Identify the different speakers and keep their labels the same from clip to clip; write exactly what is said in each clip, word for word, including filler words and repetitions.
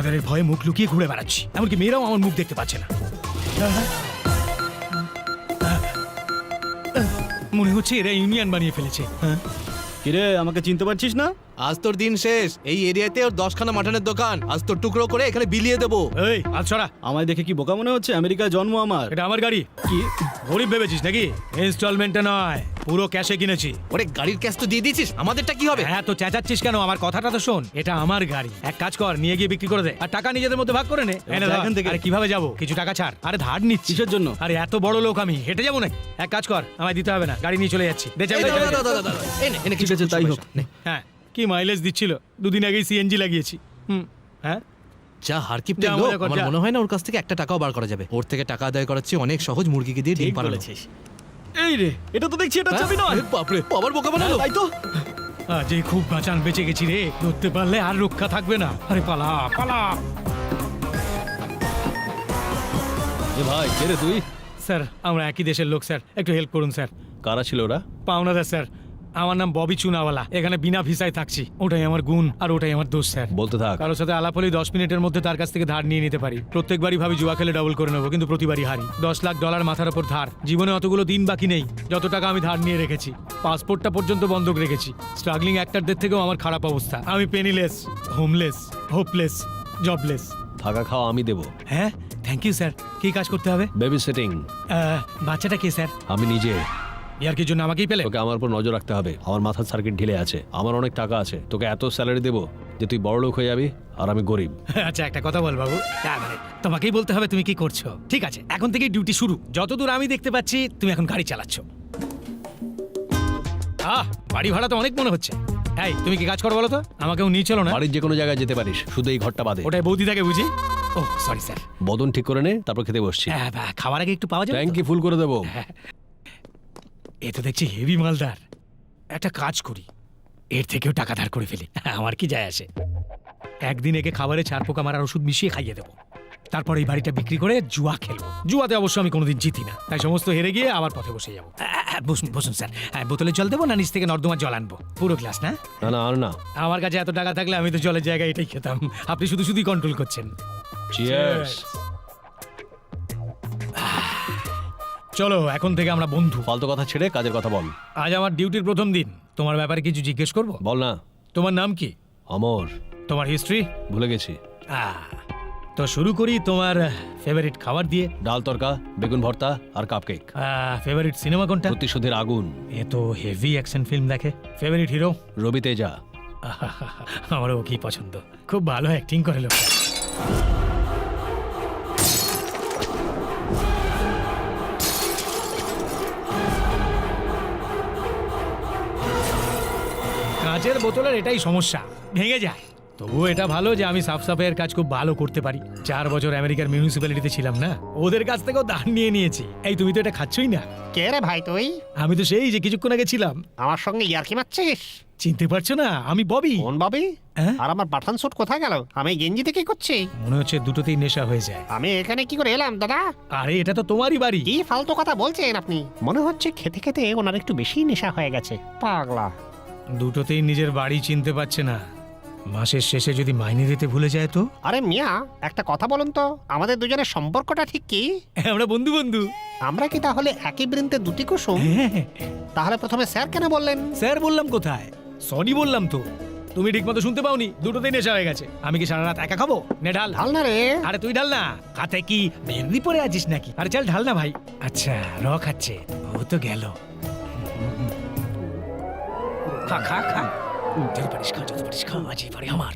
Speaker 1: আপনাদের এই ভয়ে মুখ লুকিয়ে ঘুরে বেড়াচ্ছি, এমনকি মেয়েরাও আমার মুখ দেখতে পাচ্ছে না। মনে হচ্ছে এরা ইউনিয়ন বানিয়ে ফেলেছে।
Speaker 2: কিরে, আমাকে চিনতে পারছিস না?
Speaker 3: আজ তোর দিন শেষ। এই এরিয়াতে ওর দশখানা মাটনের দোকান, আজ তোর টুকরো করে এখানে বিলিয়ে দেবো।
Speaker 1: এই আজ ছড়া,
Speaker 2: আমায় দেখে কি বোকা মনে হচ্ছে? আমেরিকায় জন্ম আমার।
Speaker 1: এটা আমার গাড়ি।
Speaker 2: কি
Speaker 1: গরিব ভেবেছিস নাকি? ইনস্টলমেন্টে নয়, পুরো ক্যাশে কিনেছি।
Speaker 3: ওরে গাড়ির ক্যাশ তো দিয়ে দিয়েছিস, আমাদেরটা কি হবে?
Speaker 1: হ্যাঁ তো চেঁচাচ্ছিস কেন? আমার কথাটা তো শোন, এটা আমার গাড়ি। এক কাজ কর, নিয়ে গিয়ে বিক্রি করে দে, আর টাকা নিজেদের মধ্যে ভাগ করে নে। এনে
Speaker 2: যা
Speaker 1: ধর।
Speaker 2: এখান থেকে।
Speaker 1: আরে কিভাবে যাবো? কিছু টাকা ছাড়। আরে ধার নিচ্ছি।
Speaker 2: কিসের জন্য?
Speaker 1: আরে এত বড় লোক আমি, হেঁটে যাবো নাকি? এক কাজ কর, আমায় দিতে হবে না, গাড়ি নিয়ে চলে যাচ্ছি। দে চাবি,
Speaker 3: এই
Speaker 1: দে
Speaker 3: দাদা,
Speaker 1: চাবি, দে।
Speaker 3: দাদা, দাদা, দাদা, এই নে, এই নে,
Speaker 2: ঠিক আছে, তাই হোক।
Speaker 3: নে।
Speaker 1: হ্যাঁ, কি মাইলেজ দিচ্ছিল? দুদিন আগেই সিএনজি লাগিয়েছি। হুম, হ্যাঁ
Speaker 3: যা হারকিপটে
Speaker 1: যা,
Speaker 3: লোক,
Speaker 1: মজা কর,
Speaker 3: আমার
Speaker 1: যা।
Speaker 3: মনে হয় না ওর কাছ থেকে একটা টাকাও বার করা যাবে। ওর থেকে টাকা আদায় করাচ্ছি অনেক সহজ, মুরগিকে দিয়ে ডিম
Speaker 2: ঠিক
Speaker 3: পাড়ানো।
Speaker 2: বলেছিস। এই রে, এটা তো দেখছি এটা চাবি নয়।
Speaker 3: আরে বাপরে, আবার বোকা বানালো।
Speaker 2: তাই তো।
Speaker 1: আজ এই খুব বাঁচান বেঁচে গেছি রে, ধরতে পারলে আর রক্ষা থাকবে না। আরে পালা পালা।
Speaker 2: এ ভাই, কে রে তুই?
Speaker 1: স্যার আমরা একই দেশের লোক স্যার, একটু হেল্প করুন স্যার।
Speaker 2: কারা ছিল ওরা?
Speaker 1: পাওনাদার স্যার, আমার নাম ববি চুনাওয়ালা, এখানে বিনা ভিসায় থাকছি। ওটাই আমার গুণ আর ওটাই আমার দোষ স্যার।
Speaker 2: বলতে থাক।
Speaker 1: কারোর সাথে আলাপ হলেই দশ মিনিটের মধ্যে তার কাছ থেকে ধার নিয়ে নিতে পারি। প্রত্যেকবারই ভাবি জুয়া খেলে ডাবল করে নেবো, কিন্তু প্রতিবারই হারি। দশ লাখ ডলার মাথার ওপর ধার। জীবনে অতগুলো দিন বাকি নেই যত টাকা আমি ধার নিয়ে রেখেছি। পাসপোর্টটা পর্যন্ত বন্ধক রেখেছি। স্ট্রাগলিং অ্যাক্টরদের থেকেও আমার খারাপ অবস্থা। আমি পেনিলেস, হোমলেস, হোপলেস, জবলেস।
Speaker 2: থাকা খাওয়া আমি দেবো।
Speaker 1: হ্যাঁ থ্যাংক ইউ স্যার। কি কাজ করতে হবে?
Speaker 2: Baby sitting.
Speaker 1: আহ, বাচ্চাটা কে স্যার?
Speaker 2: আমি নিজে।
Speaker 1: ইয়ার কি জন্য আমাকেই পেলে?
Speaker 2: তোকে আমার উপর নজর রাখতে হবে। আমার মাথার সার্কিট ঢিলে আছে, আমার অনেক টাকা আছে। তোকে এত স্যালারি দেবো যে তুই বড় লোক হয়ে যাবি আর আমি গরিব।
Speaker 1: আচ্ছা একটা কথা বল বাবু, হ্যাঁ, মানে তোমাকেই বলতে হবে তুমি কি করছো। ঠিক আছে, এখন থেকে ডিউটি শুরু। যতদূর আমি দেখতে পাচ্ছি তুমি এখন গাড়ি চালাচ্ছ। আহ বাড়ি ভাড়া তো অনেক মনে হচ্ছে। এই তুমি কি কাজ করো বলো তো? আমাকেও নিয়ে চলো না।
Speaker 2: বাড়ির যে কোনো জায়গায় যেতে পারিস, শুধু এই ঘরটা বাদে।
Speaker 1: ওটাই বৌদি থাকে বুঝি? ও সরি স্যার।
Speaker 2: বদন ঠিক করে নে, তারপর খেতে বসছি।
Speaker 1: হ্যাঁ, বা, খাওয়ার আগে একটু পাওয়া যাবে তো?
Speaker 2: ট্যাঙ্কি ফুল করে দেবো।
Speaker 1: এ তো দেখছি হেভি মালদার। একটা কাজ করি, এর থেকেও টাকা ধার করে ফেলি। আমার কি যায় আসে? একদিন একে খাবারে চার পোকা মারার ওষুধ মিশিয়ে খাইয়ে দেবো। তারপর এই বাড়িটা বিক্রি করে জুয়া খেলবো। জুয়াতে অবশ্য আমি কোনোদিন জিতি না, তাই সমস্ত হেরে গিয়ে আবার পথে বসে যাবো। আ, আ, বসুন বসুন স্যার। হ্যাঁ, বোতলে জল দেবো না নিচ থেকে নর্দমার জল আনবো? পুরো গ্লাস না?
Speaker 2: না না, আর না।
Speaker 1: আমার কাছে এত টাকা থাকলে আমি তো জলের জায়গায় এটাই খেতাম। আপনি শুধু শুধুই কন্ট্রোল করছেন।
Speaker 2: চিয়ার্স।
Speaker 1: চলো এখন থেকে আমরা বন্ধু।
Speaker 2: ফালতু কথা ছেড়ে কাজের কথা বল।
Speaker 1: আজ আমার ডিউটির প্রথম দিন, তোমার ব্যাপারে কিছু জিজ্ঞেস করবো?
Speaker 2: বল না।
Speaker 1: তোমার নাম কি?
Speaker 2: অমর।
Speaker 1: তোমার হিস্ট্রি?
Speaker 2: ভুলে গেছি।
Speaker 1: তো শুরু করি তোমার ফেভারিট খাবার দিয়ে।
Speaker 2: ডাল তরকা, বেগুন ভর্তা আর কাপকেক।
Speaker 1: ফেভারিট সিনেমা কোনটা?
Speaker 2: প্রতিশোধের আগুন।
Speaker 1: এ তো হেভি অ্যাকশন ফিল্ম দেখে। Favourite hero?
Speaker 2: রবি তেজা।
Speaker 1: আমারও কি পছন্দ, খুব ভালো অ্যাক্টিং করে লোকটা। কাঁচের বোতলের এটাই সমস্যা, ভেঙে যায়। তবুও এটা ভালো যে আমি সাফ সাফাইয়ের কাজ খুব ভালো করতে পারি। চার বছর আমেরিকার মিউনিসিপ্যালিটিতে ছিলাম না, ওদের কাছ থেকেও দান নিয়ে নিয়েছি। এই তুমি তো এটা খাচ্ছই না।
Speaker 4: কে রে ভাই তুই?
Speaker 1: আমি তো সেই যে কিছুক্ষণ আগে ছিলাম।
Speaker 4: আমার সঙ্গে ইয়ার্কি মারছিস?
Speaker 1: চিনতে পারছো না? আমি ববি।
Speaker 4: কোন ববি?
Speaker 1: হ্যাঁ?
Speaker 4: আর আমার পাঠান স্যুট কোথায় গেল? আমি গেঞ্জি থেকে করছি।
Speaker 1: মনে হচ্ছে দুটোতেই নেশা হয়ে যায়।
Speaker 4: আমি এখানে কি করে এলাম দাদা?
Speaker 1: আরে এটা তো তোমারই বাড়ি।
Speaker 4: কি ফালতু কথা বলছেন আপনি? মনে হচ্ছে খেতে খেতে ওনার একটু বেশি নেশা হয়ে গেছে। পাগলা।
Speaker 1: দুটোতেই নিজের বাড়ি চিনতে পারছে না। মাসের শেষে যদি মাইনে দিতে ভুলে যায় তো?
Speaker 4: আরে মিয়া, একটা কথা বলুন তো, আমাদের দুজনের সম্পর্কটা ঠিক কি?
Speaker 1: আমরা বন্ধু বন্ধু।
Speaker 4: আমরা কি তাহলে একই বৃন্তে দুটি কুসুম?
Speaker 1: হ্যাঁ,
Speaker 4: তাহলে প্রথমে স্যার কেন বললেন?
Speaker 1: স্যার বললাম কোথায়? সরি বললাম তো। তুমি ঠিক মতো শুনতে পাওনি? দুটোতেই নেশা হয়ে গেছে। আমি কি সারা রাত একা খাবো? নে ঢাল।
Speaker 4: ঢাল না রে।
Speaker 1: আরে তুই ঢাল না। হাতে কি মেহেন্দি পরে আছিস নাকি? আরে চল ঢাল না ভাই। আচ্ছা র খাচ্ছে, ও তো গেল। খা খা খা, যত পারিস খা, যত পারিস খা, আজই পারি আমার।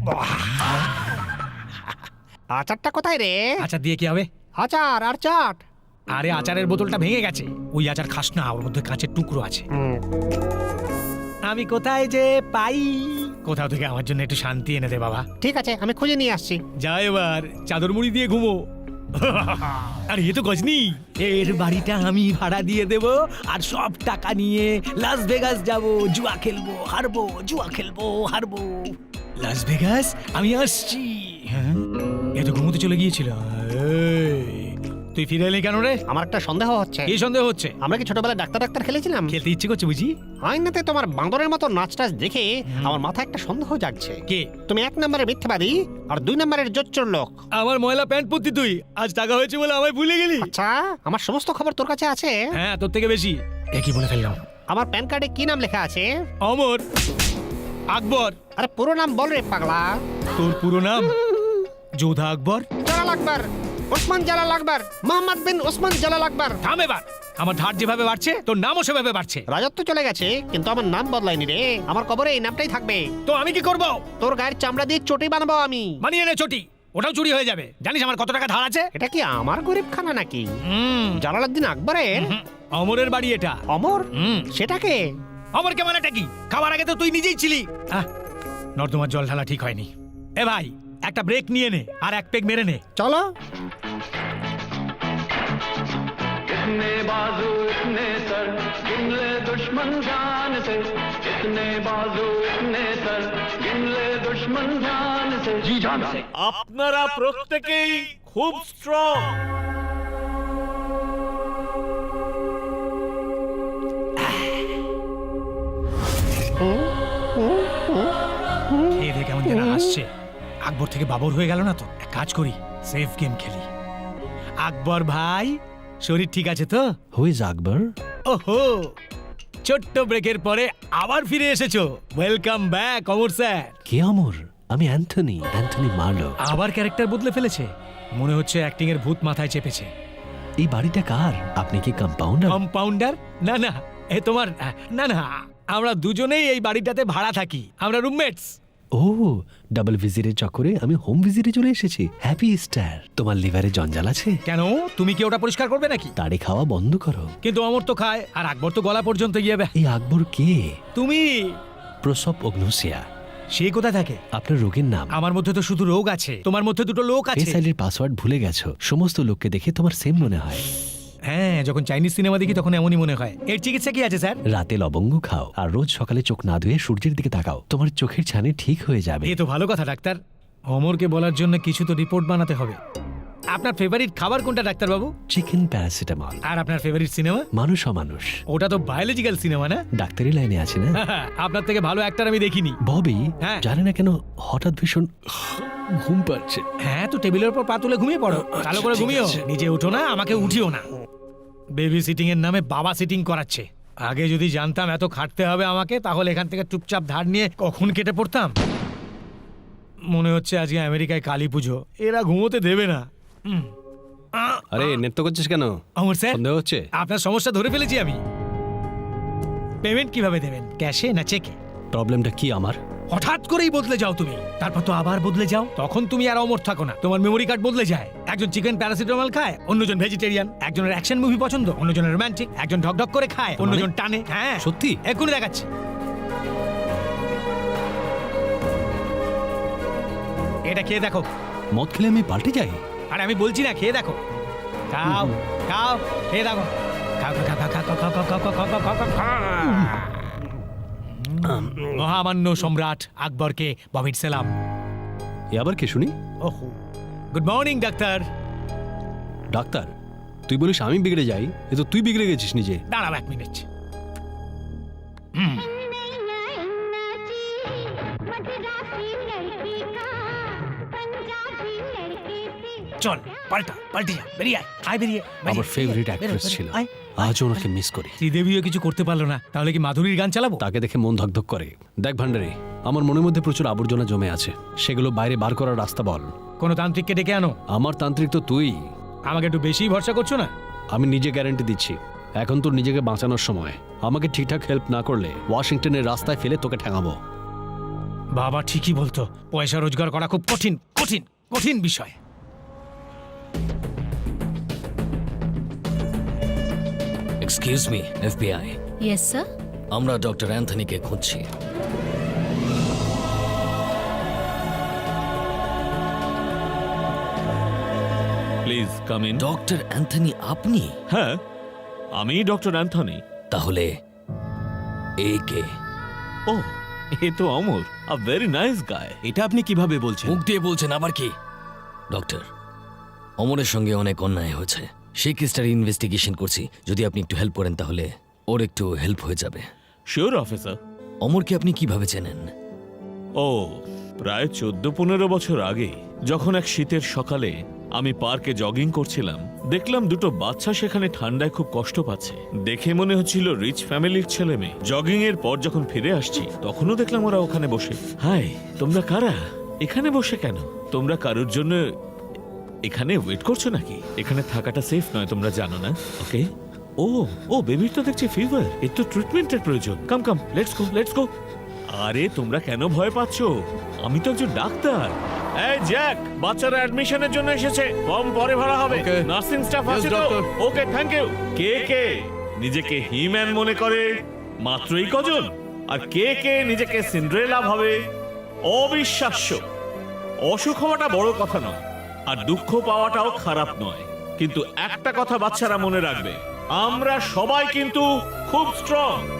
Speaker 4: আচারটা কোথায় রে?
Speaker 1: আচার দিয়ে কি হবে?
Speaker 4: আচার আর চাট।
Speaker 1: আরে আচারের বোতলটা ভেঙে গেছে। ওই আচার খাস না, ওর মধ্যে কাঁচের টুকরো আছে।
Speaker 4: হুম,
Speaker 1: আমি কোথায় যে পাই? কোথাও থেকে আমার জন্য একটু শান্তি এনে দে বাবা।
Speaker 4: ঠিক আছে, আমি খুঁজে নিয়ে আসছি।
Speaker 1: যা এবার চাদর মুড়ি দিয়ে ঘুমো। আরে এ তো গজনি। এর বাড়িটা আমি ভাড়া দিয়ে দেব, আর সব টাকা নিয়ে লাস ভেগাস যাব। জুয়া খেলবো, হারবো, জুয়া খেলবো, হারবো। লাস ভেগাস, আমি আসছি। হ্যাঁ, এ তো ঘুমোতে চলে গিয়েছিল। এই, তুই ফিরে এলি কেন রে?
Speaker 4: আমার একটা সন্দেহ হচ্ছে।
Speaker 1: কি সন্দেহ হচ্ছে?
Speaker 4: আমরা কি ছোটবেলায় ডাক্তার ডাক্তার খেলেছিলাম?
Speaker 1: খেলতে ইচ্ছে করছে বুঝি?
Speaker 4: আইনাতে তোমার বান্দরের মতো নাচ টাচ দেখে আমার মাথায় একটা সন্দেহ জাগছে।
Speaker 1: কে?
Speaker 4: তুমি এক নম্বরের মিথ্যাবাদী আর দুই নম্বরের জোচ্চোর লোক।
Speaker 1: আমার ময়লা প্যান্ট পরতি তুই, আজ টাকা হয়েছে বলে আমায় ভুলে গেলি?
Speaker 4: আচ্ছা, আমার সমস্ত খবর তোর কাছে আছে?
Speaker 1: হ্যাঁ, তোর থেকে বেশি। এ কি বলে ফেললাম?
Speaker 4: আমার প্যান কার্ডে কি নাম লেখা আছে?
Speaker 1: অমর আকবর।
Speaker 4: আরে পুরো নাম বল রে পাগলা।
Speaker 1: তোর পুরো নাম? যোধা আকবর।
Speaker 4: জালাল আকবর, ওসমান জালাল আকবর, মোহাম্মদ বিন ওসমান জালাল আকবর।
Speaker 1: থাম এবার। আমার ধার যেভাবে বাড়ছে তোর নামও সেভাবে বাড়ছে।
Speaker 4: রাজত্ব চলে গেছে কিন্তু আমার নাম বদলায়নি রে। আমার কবরে এই নামটাই থাকবে।
Speaker 1: তো আমি কি করব?
Speaker 4: তোর গায়ের চামড়া দিয়ে চটি বানাবো আমি।
Speaker 1: মানিয়ে নে চটি, ওটাও চুরি হয়ে যাবে। জানিস আমার কত টাকা ধার আছে?
Speaker 4: এটা কি আমার গরিব খানা নাকি?
Speaker 1: হুম,
Speaker 4: জালালউদ্দিন আকবরের?
Speaker 1: হুম, অমরের বাড়ি এটা।
Speaker 4: অমর?
Speaker 1: হুম,
Speaker 4: সেটাকে?
Speaker 1: অমর কে মানেটা কি? খাবার আগে তো তুই নিজেই ছিলি। আহ, নর্দমার জল ঢালা ঠিক হয়নি। এ ভাই, একটা ব্রেক নিয়ে নে আর এক পেগ মেরে নে।
Speaker 4: চলো।
Speaker 5: इतने बाजू इतने सर गिन ले दुश्मन जान से इतने बाजू इतने सर गिन ले दुश्मन जान से जी जान से
Speaker 6: আপনারা প্রত্যেকেই খুব স্ট্রং।
Speaker 1: খেয়ে দিয়ে কেমন যেন আসছে। আকবর থেকে বাবর হয়ে গেল না তো? এক কাজ করি, সেফ গেম খেলি। আকবর ভাই, শরীর ঠিক আছে তো?
Speaker 2: Who is Akbar?
Speaker 1: ওহো, ছোট্ট ব্রেকের পরে আবার ফিরে এসেছো। Welcome back Amar sir.
Speaker 2: কে অমর? আমি অ্যান্থনি, অ্যান্থনি মার্লো।
Speaker 1: আবার ক্যারেক্টার বদলে ফেলেছে। মনে হচ্ছে অ্যাক্টিং এর ভূত মাথায় চেপেছে।
Speaker 2: এই বাড়িটা কার? আপনি কি কম্পাউন্ডার?
Speaker 1: কম্পাউন্ডার? না না, এ তোমার। না না, আমরা দুজনেই এই বাড়িটাতে ভাড়া থাকি। আমরা রুমমেটস।
Speaker 2: ও, ডাবল ভিজিটের চক্করে আমি হোম ভিজিটে চলে এসেছি। Happy star. তোমার লিভারে জঞ্জাল আছে?
Speaker 1: কেন, তুমি কি ওটা পরিষ্কার করবে নাকি?
Speaker 2: তাড়ি খাওয়া বন্ধ করো।
Speaker 1: কিন্তু অমর তো খায়, আর আকবর তো গলা পর্যন্ত গিয়ে বে-
Speaker 2: এই আকবর কে?
Speaker 1: তুমি।
Speaker 2: প্রসব অগ্নোসিয়া।
Speaker 1: সে কোথায় থাকে?
Speaker 2: আপনার রোগের নাম?
Speaker 1: আমার মধ্যে তো শুধু রোগ আছে, তোমার মধ্যে দুটো লোক আছে।
Speaker 2: ফেস আইডির পাসওয়ার্ড ভুলে গেছো। সমস্ত লোককে দেখে তোমার সেম মনে হয়।
Speaker 1: হ্যাঁ, যখন চাইনিজ সিনেমা দেখি তখন এমনই মনে হয়। এর চিকিৎসা কি আছে স্যার?
Speaker 2: রাতে লবঙ্গ খাও আর রোজ সকালে চোখ না ধুয়ে সূর্যের দিকে তাকাও। তোমার চোখের ছানি ঠিক হয়ে যাবে।
Speaker 1: এ তো ভালো কথা ডাক্তার। অমরকে বলার জন্য কিছু তো রিপোর্ট বানাতে হবে। আপনার ফেভারিট খাবার কোনটা ডাক্তার বাবু?
Speaker 2: Chicken paracetamol.
Speaker 1: আর আপনার ফেভারিট সিনেমা?
Speaker 2: মানুষ অমানুষ।
Speaker 1: ওটা তো বায়োলজিক্যাল সিনেমা না?
Speaker 2: ডাক্তারি লাইনে আছে না?
Speaker 1: আপনার থেকে ভালো অ্যাক্টর আমি দেখিনি।
Speaker 2: ববি,
Speaker 1: হ্যাঁ।
Speaker 2: জানি না কেন হঠাৎ ভীষণ ঘুম পাচ্ছে।
Speaker 1: হ্যাঁ, তো টেবিলের উপর পা তুলে ঘুমিয়ে পড়ো। ভালো করে
Speaker 2: ঠিক
Speaker 1: ঘুমিও।
Speaker 2: আছে।
Speaker 1: নিজে উঠো না, আমাকে উঠিও না। বেবি সিটিং এর নামে বাবা সিটিং করাচ্ছে। আগে যদি জানতাম এত খাটতে হবে আমাকে, তাহলে এখান থেকে চুপচাপ ধার নিয়ে কখন কেটে পড়তাম। মনে হচ্ছে আজকে আমেরিকায় কালী পুজো, এরা ঘুমোতে দেবে না। হুম। আহ,
Speaker 2: আরে নৃত্য করছিস কেন?
Speaker 1: অমর স্যার,
Speaker 2: সন্দেহ হচ্ছে?
Speaker 1: আপনার সমস্যা ধরে ফেলেছি আমি। পেমেন্ট কিভাবে দেবেন, ক্যাশে না চেকে?
Speaker 2: প্রবলেমটা কি আমার?
Speaker 1: হঠাৎ করেই বদলে যাও তুমি, তারপর তো আবার বদলে যাও। তখন তুমি আর অমর থাকো না, তোমার মেমোরি কার্ড বদলে যায়। একজন চিকেন প্যারাসিটামল খায়, অন্যজন ভেজিটেরিয়ান। একজনের অ্যাকশন মুভি পছন্দ, অন্যজনের রোমান্টিক। একজন ঢকঢক করে খায়, অন্যজন টানে। হ্যাঁ
Speaker 2: সত্যি?
Speaker 1: এক্ষুনি দেখাচ্ছি। এটা খেয়ে দেখো।
Speaker 2: মদ খেলে আমি পাল্টে যাই?
Speaker 1: আরে আমি বলছি না, খেয়ে দেখো। খাও খাও, খেয়ে দেখো। খাও খাও খাও খাও খাও খাও খাও খাও খাও খাও খাও খাও। মহামান্য সম্রাট আকবরকে বমিট সালাম।
Speaker 2: এ আবার কে শুনি?
Speaker 1: ওহো, গুড মর্নিং ডাক্তার।
Speaker 2: ডাক্তার? তুই বলিস আমি বিগড়ে যাই, এ তো তুই বিগড়ে গেছিস নিজে।
Speaker 1: দাঁড়াও এক মিনিট। চল পাল্টা, পাল্টে যা, বেরিয়ে আয়, আয় বেরিয়ে। বেরিয়ে,
Speaker 2: আমার ফেভারিট
Speaker 1: বেরো,
Speaker 2: অ্যাক্ট্রেস
Speaker 1: বেরো,
Speaker 2: ছিল,
Speaker 1: আয়।
Speaker 2: আজও ওনাকে মিস করি।
Speaker 1: শ্রীদেবীও কিছু করতে পারলো না, তাহলে কি মাধুরীর গান চালাবো?
Speaker 2: তাকে দেখে মন ধকধক করে। দেখ ভান্ডারি, আমার মনের মধ্যে প্রচুর আবর্জনা জমে আছে, সেগুলো বাইরে বার করার রাস্তা বল।
Speaker 1: কোনো তান্ত্রিককে ডেকে আনো।
Speaker 2: আমার তান্ত্রিক তো তুই।
Speaker 1: আমাকে একটু বেশি ভরসা করছো না?
Speaker 2: আমি নিজে গ্যারান্টি দিচ্ছি, এখন তোর নিজেকে বাঁচানোর সময়। আমাকে ঠিকঠাক হেল্প না করলে ওয়াশিংটনের রাস্তায় ফেলে তোকে ঠেঙাবো।
Speaker 1: বাবা ঠিকই বলতো, পয়সা রোজগার করা খুব কঠিন কঠিন কঠিন বিষয়।
Speaker 7: Excuse me, FBI.
Speaker 8: Yes sir.
Speaker 7: আমরা ডক্টর অ্যান্থনিকে খুঁজছি।
Speaker 6: Please come in.
Speaker 7: Doctor Anthony আপনি?
Speaker 6: হ্যাঁ, আমি ডক্টর অ্যান্থনি।
Speaker 7: তাহলে এ কে?
Speaker 6: ও, এ তো অমর, আ ভেরি নাইস গায়।
Speaker 9: এটা আপনি কিভাবে বলছেন?
Speaker 7: মুখ দিয়ে বলছেন আবার কি? ডক্টর, অমরের সঙ্গে অনেক অন্যায় হয়েছে, সেই কেসটার ইনভেস্টিগেশন করছি, যদি আপনি একটু হেল্প করেন তাহলে ওর একটু হেল্প হয়ে যাবে।
Speaker 6: Sure officer.
Speaker 7: অমরকে আপনি কিভাবে চেনেন?
Speaker 6: ও প্রায় চোদ্দ পনেরো বছর আগে যখন এক শীতের সকালে আমি পার্কে জগিং করছিলাম, দেখলাম দুটো বাচ্চা সেখানে ঠান্ডায় খুব কষ্ট পাচ্ছে। দেখে মনে হচ্ছিল রিচ ফ্যামিলির ছেলে মেয়ে। জগিং এর পর যখন ফিরে আসছি তখনও দেখলাম ওরা ওখানে বসে। হাই, তোমরা কারা? এখানে বসে কেন? তোমরা কারোর জন্য এখানে ওয়েট করছো নাকি? এখানে থাকাটা সেফ নয়, তোমরা জানো না? ওকে। ও ও বেবির তো দেখছি ফিভার, এর তো ট্রিটমেন্টের প্রয়োজন। Come come let's go let's go. আরে তোমরা কেন ভয় পাচ্ছ? আমি তো একজন ডাক্তার। এই জ্যাক, বাচ্চারা অ্যাডমিশনের জন্য এসেছে, ফর্ম পরে ভরা হবে।
Speaker 3: Okay.
Speaker 6: নার্সিং স্টাফ
Speaker 3: Yes,
Speaker 6: আছে তো?
Speaker 3: doctor.
Speaker 6: Okay, thank you. কে কে নিজেকে হিম্যান মনে করে? মাত্রই কজন? আর কে কে নিজেকে সিন্ড্রেলা ভাবে? অবিশ্বাস্য। অসুখ হওয়াটা বড় কথা নয়, আর দুঃখ পাওয়াটাও খারাপ নয়, কিন্তু একটা কথা বাচ্চারা মনে রাখবে, আমরা সবাই কিন্তু খুব স্ট্রং।